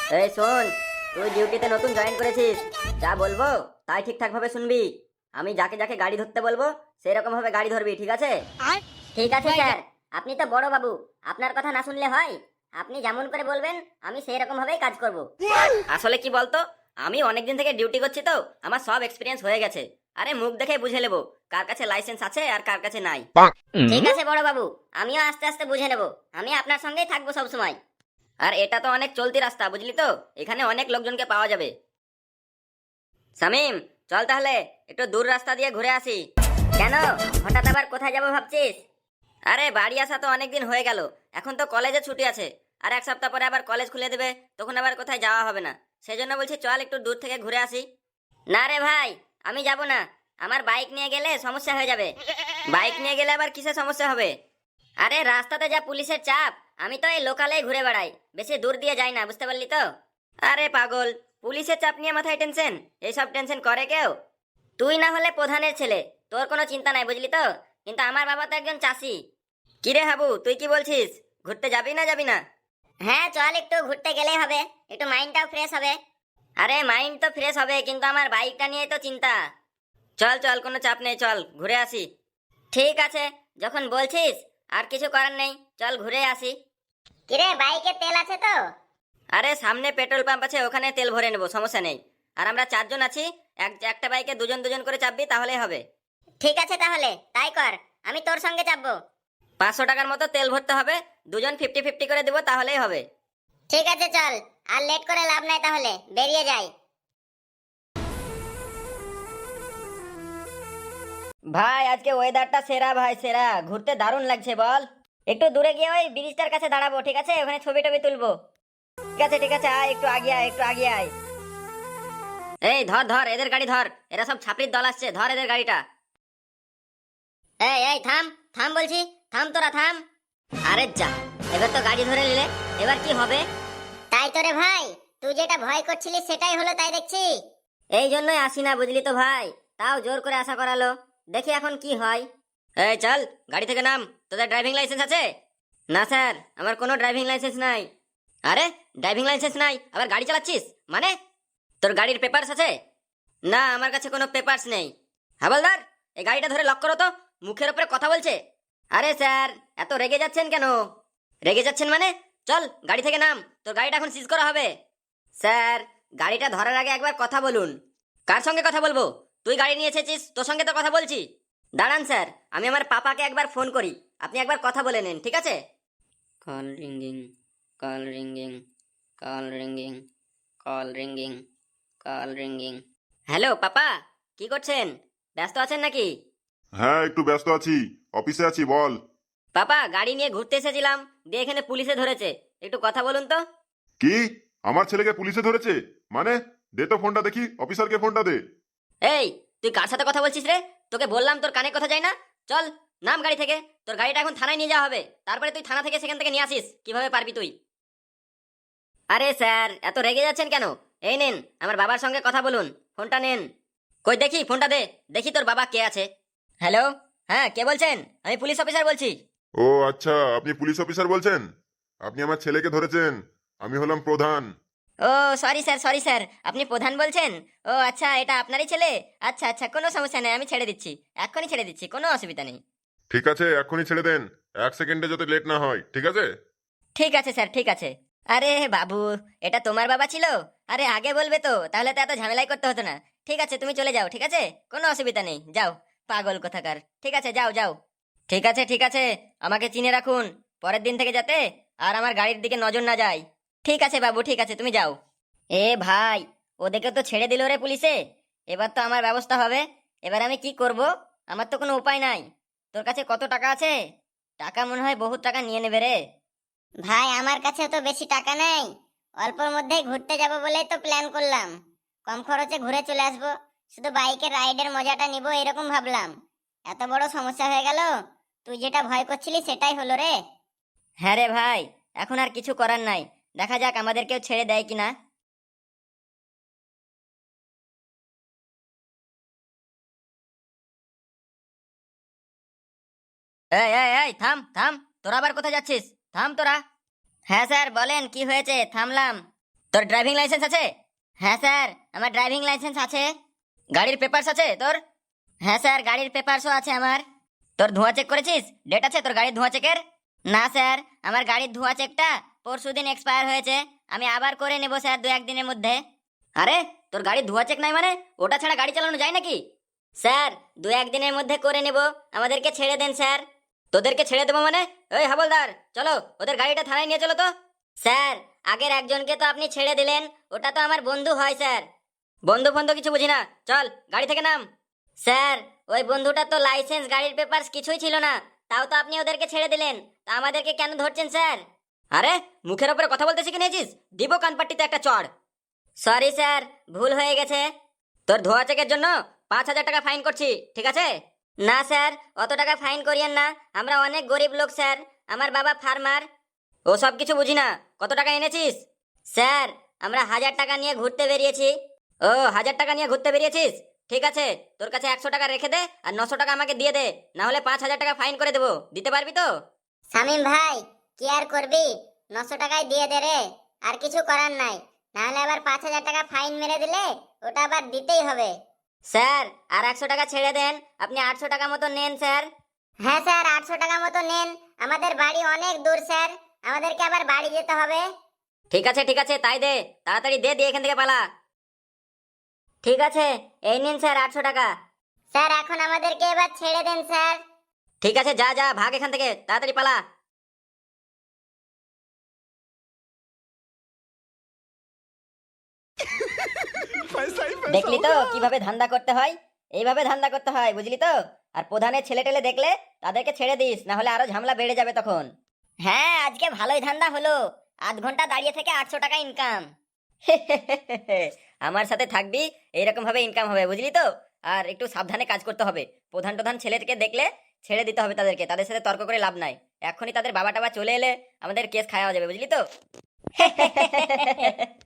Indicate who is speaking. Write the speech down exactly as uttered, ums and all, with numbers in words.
Speaker 1: এই শোন, তুই ডিউটিতে নতুন জয়েন করেছিস, যা বলবো তাই ঠিকঠাক ভাবে শুনবি। আমি যাকে যাকে গাড়ি ধরতে বলবো সেই রকম ভাবে গাড়ি ধরবি, ঠিক আছে? ঠিক আছে স্যার, আপনি তো বড় বাবু, আপনার কথা না শুনলে হয়? আপনি যেমন করে বলবেন আমি সেই রকম ভাবেই কাজ করব। আসলে কি বলতো, আমি অনেকদিন থেকে ডিউটি করছি তো আমার সব এক্সপিরিয়েন্স হয়ে গেছে। আরে মুখ দেখে বুঝে নেবো কার কাছে লাইসেন্স আছে আর কার কাছে নাই। ঠিক আছে বড় বাবু, আমিও আস্তে আস্তে বুঝে নেব। আমি আপনার সঙ্গেই থাকবো সব সময়। আর এটা তো অনেক চলতি রাস্তা, বুঝলি তো, এখানে অনেক লোকজনকে পাওয়া যাবে। শামিম, চল তাহলে একটু দূর রাস্তা দিয়ে ঘুরে আসি। কেন, হঠাৎ আবার কোথায় যাবো ভাবছিস? আরে বাড়ি আসা তো অনেকদিন হয়ে গেল, এখন তো কলেজে ছুটি আছে, আর এক সপ্তাহ পরে আবার কলেজ খুলে দেবে, তখন আবার কোথায় যাওয়া হবে না। সেই জন্য বলছি চল একটু দূর থেকে ঘুরে আসি। না রে ভাই, আমি যাব না। আমার বাইক নিয়ে গেলে সমস্যা হয়ে যাবে। বাইক নিয়ে গেলে আবার কিসের সমস্যা হবে? আরে রাস্তাতে যা পুলিশের চাপ, আমি তো এই লোকালেই ঘুরে বেড়াই, বেশি দূর দিয়ে যাই না, বুঝতে পারলি তো? আরে পাগল, পুলিশের চাপ নিয়ে মাথায় টেনশন? এইসব টেনশন করে কেউ? তুই না হলে প্রধানের ছেলে, তোর কোনো চিন্তা নাই, বুঝলি তো, কিন্তু আমার বাবা তো একজন চাষি। কিরে হাবু, তুই কি বলছিস, ঘুরতে যাবি না যাবি না? হ্যাঁ চল, একটু ঘুরতে গেলেই হবে, একটু মাইন্ডটাও ফ্রেশ হবে। আরে মাইন্ড তো ফ্রেশ হবে, কিন্তু আমার বাইকটা নিয়ে তো চিন্তা। চল চল, কোনো চাপ নেই, চল ঘুরে আসি। ঠিক আছে, যখন বলছিস আর কিছু করার নেই, চল ঘুরে আসি। কিরে, বাইকে তেল আছে তো? আরে সামনে পেট্রোল পাম্প আছে, ওখানে তেল ভরে নেবো, সমস্যা নেই। আর আমরা চারজন আছি, এক একটা বাইকে দুজন দুজন করে চাপবি, তাহলেই হবে। ঠিক আছে তাহলে তাই কর, আমি তোর সঙ্গে চাপবো। পাঁচশো টাকার মতো তেল ভরতে হবে, দুজন ফিফটি ফিফটি করে দেবো, তাহলেই হবে। ঠিক আছে চল, আর লেট করে লাভ নাই, তাহলে বেরিয়ে যাই। ভাই আজকে ওয়েদারটা সেরা ভাই, সেরা, ঘুরতে দারুণ লাগছে বল। একটু দূরে গিয়ে ওই ব্রিজটার কাছে দাঁড়াবো, ঠিক আছে? ওখানে ছবি টবি তুলবো। ঠিক আছে ঠিক আছে, আয় একটু আগে আয়, একটু আগে আয়। এই ধর ধর, এদের গাড়ি ধর, এরা সব ছাপড়ির দল আসছে, ধর এদের গাড়িটা। এই এই থাম, থাম বলছি, থাম তোরা থাম। আরে যা, এবার তো গাড়ি ধরে নিলে, এবার কি হবে? তাই তো রে ভাই, তুই যেটা ভয় করছিলিস সেটাই হলো তাই দেখছি। এই জন্যই আসি না, বুঝলি তো ভাই, তাও জোর করে আশা করালো, দেখি এখন কি হয়। এই চল, গাড়ি থেকে নাম। তোদের ড্রাইভিং লাইসেন্স আছে? না স্যার, আমার কোনো ড্রাইভিং লাইসেন্স নাই। আরে ড্রাইভিং লাইসেন্স নাই, আবার গাড়ি চালাচ্ছিস মানে? তোর গাড়ির পেপারস আছে? না, আমার কাছে কোনো পেপারস নেই। হাবলদার, এই গাড়িটা ধরে লক করো তো, মুখের উপরে কথা বলছে। আরে স্যার, এত রেগে যাচ্ছেন কেন? রেগে যাচ্ছেন মানে? চল গাড়ি থেকে নাম, তোর গাড়িটা এখন সিজ করা হবে। স্যার, গাড়িটা ধরার আগে একবার কথা বলুন। কার সঙ্গে কথা বলবো? তুই গাড়ি নিয়ে এসেছিস, তোর সঙ্গে তো কথা বলছি। দাঁড়ান স্যার, আমি আমার পাপাকে একবার ফোন করি, আপনি একবার কথা বলে নিন, ঠিক আছে? Call ringing, call ringing, call ringing, call ringing, call ringing. Hello papa, কি করছেন? ব্যস্ত আছেন নাকি?
Speaker 2: হ্যাঁ, একটু ব্যস্ত আছি, অফিসে আছি, বল।
Speaker 1: পাপা, গাড়ি নিয়ে ঘুরতে এসেছিলাম, দিয়ে এখানে পুলিশে ধরেছে, একটু কথা বলুন তো।
Speaker 2: কি? আমার ছেলেকে পুলিশে ধরেছে? মানে? দে তো ফোনটা দেখি, অফিসারকে ফোনটা দে।
Speaker 1: এই, তুই কার সাথে কথা বলছিস রে? তোকে বললাম তোর কানে কথা যায় না। চল নাম গাড়ি থেকে, তোর গাড়িটা এখন থানায় নিয়ে যাওয়া হবে, তারপরে তুই থানা থেকে সেখান থেকে নিয়ে আসিস, কিভাবে পারবি তুই? আরে স্যার, এত রেগে যাচ্ছেন কেন? এই নেন, আমার বাবার সঙ্গে কথা বলুন, ফোনটা নেন। কই দেখি ফোনটা দে, দেখি তোর বাবা কে আছে। হ্যালো, হ্যাঁ কে বলছেন? আমি পুলিশ অফিসার বলছি।
Speaker 2: ও আচ্ছা, আপনি পুলিশ অফিসার বলছেন? আপনি আমার ছেলেকে ধরেছেন, আমি হলাম প্রধান।
Speaker 1: ও সরি স্যার, সরি স্যার, আপনি প্রধান বলছেন? ও আচ্ছা, এটা আপনারই ছেলে? আচ্ছা আচ্ছা, কোনো সমস্যা নেই, আমি ছেড়ে দিচ্ছি, এক্ষুনি ছেড়ে দিচ্ছি, কোনো অসুবিধা নেই।
Speaker 2: ঠিক আছে, এক্ষুনি ছেড়ে দেন, এক সেকেন্ডে যাতে লেট না হয়, ঠিক আছে?
Speaker 1: ঠিক আছে স্যার, ঠিক আছে। আরে বাবু, এটা তোমার বাবা ছিল? আরে আগে বলবে তো, তাহলে তো এত ঝামেলাই করতে হতো না। ঠিক আছে, তুমি চলে যাও, ঠিক আছে, কোনো অসুবিধা নেই, যাও। পাগল কোথাকার, ঠিক আছে যাও যাও। ঠিক আছে ঠিক আছে, আমাকে চিনে রাখুন, পরের দিন থেকে যাতে আর আমার গাড়ির দিকে নজর না যায়। ঠিক আছে বাবু, ঠিক আছে, তুমি যাও। এ ভাই, ওদেরকে তো ছেড়ে দিল রে পুলিশে, এবার তো আমার ব্যবস্থা হবে। এবার আমি কি করব? আমার তো কোনো উপায় নাই। তোর কাছে কত টাকা আছে? টাকা মনে হয় বহুত টাকা নিয়ে নেবে রে। ভাই আমার কাছে তো বেশি টাকা নেই, অল্পর মধ্যেই ঘুরতে যাব বলেই তো প্ল্যান করলাম, কম খরচে ঘুরে চলে আসবো, শুধু বাইকের রাইডের মজাটা নিব এরকম ভাবলাম। এত বড় সমস্যা হয়ে গেল, তুই যেটা ভয় করছিলি সেটাই হলো রে। হ্যাঁ রে ভাই, এখন আর কিছু করার নাই, দেখা যাক আমাদের কেউ ছেড়ে দেয় কিনা। এই এই এই থাম থাম, তোরা আবার কোথায় যাচ্ছিস? থাম তোরা। হ্যাঁ স্যার বলেন, কি হয়েছে? থামলাম। তোর ড্রাইভিং লাইসেন্স আছে? হ্যাঁ স্যার, আমার ড্রাইভিং লাইসেন্স আছে। গাড়ির পেপারস আছে তোর? হ্যাঁ স্যার, গাড়ির পেপারসও আছে আমার। তোর ধোঁয়া চেক করেছিস? ডেট আছে তোর গাড়ির ধোঁয়া চেকের? না স্যার, আমার গাড়ির ধোঁয়া চেকটা পরশুদিন এক্সপায়ার হয়েছে, আমি আবার করে নেব স্যার দু একদিনের মধ্যে। আরে তোর গাড়ির ধোঁয়া চেক নাই মানে? ওটা ছাড়া গাড়ি চালানো যায় নাকি? স্যার দু একদিনের মধ্যে করে নেব, আমাদেরকে ছেড়ে দেন স্যার। তোদেরকে ছেড়ে দেবো মানে? ওই হাবলদার, চলো ওদের গাড়িটা থানায় নিয়ে চলো তো। স্যার আগের একজনকে তো আপনি ছেড়ে দিলেন, ওটা তো আমার বন্ধু হয় স্যার। বন্ধু ফন্ধু কিছু বুঝি না, চল গাড়ি থেকে নাম। স্যার ওই বন্ধুটা তো লাইসেন্স গাড়ির পেপারস কিছুই ছিল না, তাও তো আপনি ওদেরকে ছেড়ে দিলেন, তা আমাদেরকে কেন ধরছেন স্যার? আরে মুখের উপরে কথা বলতে শিখে নিয়েছিস? দিব কানপাট্টিতে একটা চড়। সরি স্যার, ভুল হয়ে গেছে। তোর ধোয়া চেকের জন্য পাঁচ হাজার টাকা ফাইন করছি, ঠিক আছে? না স্যার, অত টাকা ফাইন করিয়েন না, আমরা অনেক গরিব লোক স্যার, আমার বাবা ফার্মার। ও সব কিছু বুঝি না, কত টাকা এনেছিস? স্যার আমরা হাজার টাকা নিয়ে ঘুরতে বেরিয়েছি। ও হাজার টাকা নিয়ে ঘুরতে বেরিয়েছিস, ঠিক আছে, তোর কাছে একশো টাকা রেখে দে আর নশো টাকা আমাকে দিয়ে দে, না হলে পাঁচ হাজার টাকা ফাইন করে দেবো, দিতে পারবি তো?
Speaker 3: শামিম ভাই, কি আর করবি, নশো টাকায় দিয়ে দে রে, আর কিছু করার নাই, নাহলে আবার পাঁচ হাজার টাকা ফাইন মেরে দিলে ওটা আবার দিতেই হবে।
Speaker 1: স্যার আর একশো টাকা ছেড়ে দেন, আপনি আটশো টাকা মতো নেন স্যার।
Speaker 3: হ্যাঁ স্যার, আটশো টাকা মতো নেন, আমাদের বাড়ি অনেক দূর স্যার, আমাদেরকে আবার বাড়ি যেতে হবে।
Speaker 1: ঠিক আছে ঠিক আছে, তাই দে, তাড়াতাড়ি দে, দিয়ে এখান থেকে পালা। ঠিক আছে, এই নিন স্যার আটশো টাকা।
Speaker 3: স্যার এখন আমাদেরকে এবার ছেড়ে দেন স্যার।
Speaker 1: ঠিক আছে, যা যা, ভাগ এখান থেকে, তাড়াতাড়ি পালা। দেখলি তো কিভাবে ধান্দা করতে হয়? এইভাবে ধান্দা করতে হয়, বুঝলি তো? আর প্রধানের ছেলে টেলে দেখলে তাদেরকে ছেড়ে দিস, না হলে আরো ঝামেলা বেড়ে যাবে তখন। হ্যাঁ আজকে ভালোই ধান্দা হলো, আধ ঘন্টা দাঁড়িয়ে থেকে আটশো টাকা ইনকাম। আমার সাথে থাকবি, এইরকম ভাবে ইনকাম হবে, বুঝলি তো? আর একটু সাবধানে কাজ করতে হবে, প্রধান প্রধান ছেলেকে দেখলে ছেড়ে দিতে হবে তাদেরকে, তাদের সাথে তর্ক করে লাভ নাই। এখনই তাদের বাবা টাবা চলে এলে আমাদের কেস খাওয়া যাবে, বুঝলি তো?